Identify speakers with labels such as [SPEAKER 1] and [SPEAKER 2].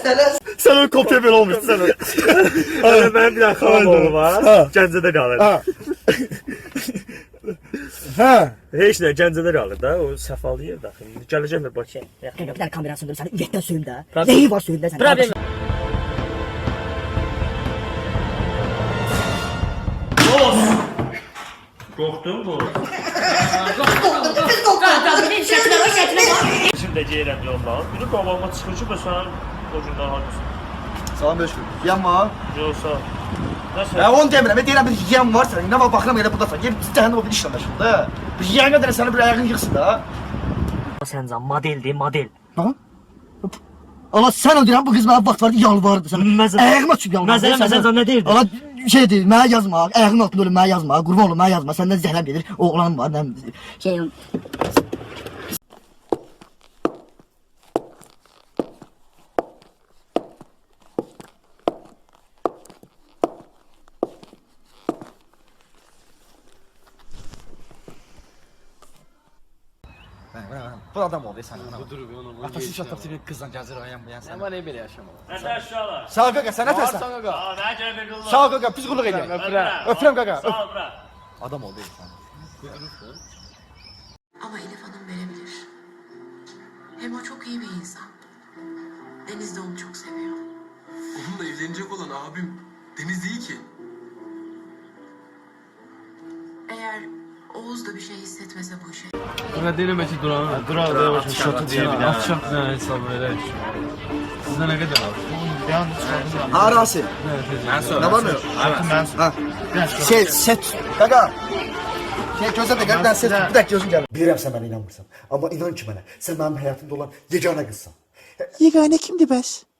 [SPEAKER 1] Sen o kopya böyle olmuşsun sen.
[SPEAKER 2] Benim bir dakika oğlu var. Gəncədə qalır.
[SPEAKER 1] Ha.
[SPEAKER 2] Heç nə Gəncədə qalır da. O səfalayır da. Gələcəm bir Bakıya.
[SPEAKER 3] Kanka bir tane kamera söndürüm seni üyetten söyleyeyim de. Neyi var söyleyeyim de sen.
[SPEAKER 4] Problem.
[SPEAKER 2] Qorxdun bu. Şimdi deyirəm yoldan. Biri qabağıma çıxır ki, sən o gündən haqlısın.
[SPEAKER 1] Salam Beşkül. Yem var.
[SPEAKER 2] Yoxsa nəsə?
[SPEAKER 1] Onu demirəm. Ben deyirəm bir yem var senin. Ne var bakıram elə buradasan. Gel cəhənnəm o bir işlə məşğuldur. Bir yem qədər səni bir ayağın yıxsın da.
[SPEAKER 3] Səncan modeldir model.
[SPEAKER 1] Ha? Allah sen öldürən bu kız bana vaxt vardı yalvardı sana. Ayağıma çıkıp yalvardı.
[SPEAKER 3] Məsələn nə deyirdi?
[SPEAKER 1] Allah şeydir, mənə yazma, ayağın altında ölüm mənə yazma, qurban olum mənə yazma, səndən zəhləm gedir, oğlan var, nə
[SPEAKER 3] Şey
[SPEAKER 1] Bu adam oldu sen. Atası şatapçı bir kızla gəzir ayağım bu yan sen.
[SPEAKER 4] Ama ne böyle yaşamalı?
[SPEAKER 2] Nəsə aşağılar.
[SPEAKER 1] Sağ ol qaqa, sən nə tərsən?
[SPEAKER 4] Kanka.
[SPEAKER 2] Aa, nə gəlir qullar?
[SPEAKER 1] Sağ ol qaqa, pis qulluq edir. Öpürəm qaqa.
[SPEAKER 2] Sağ ol bura.
[SPEAKER 1] Adam oldu sen.
[SPEAKER 5] Ama Elif Hanım verebilir. Hem o çok iyi bir insan. Deniz de onu çok seviyor.
[SPEAKER 6] Onunla evlenecek olan abim Deniz değil ki.
[SPEAKER 5] Eğer Oğuz da bir şey hissetmese bu işe.
[SPEAKER 4] Kanka denemeci duran.
[SPEAKER 2] Durar da başım şatı diye bir daha.
[SPEAKER 4] Akşam ne hesap böyle. Sizde ne kadar var?
[SPEAKER 1] Ha Rasim. Ne var mı? Ha. Set. Qaqa. Gözlə də qəlbdən set. Bir dakika gözün gəlir. Bilirəm sən mənə inanmırsan. Amma inan ki mənə, sən mənim həyatımda olan yeganə qızsan.
[SPEAKER 7] Yegane kimdi bəs?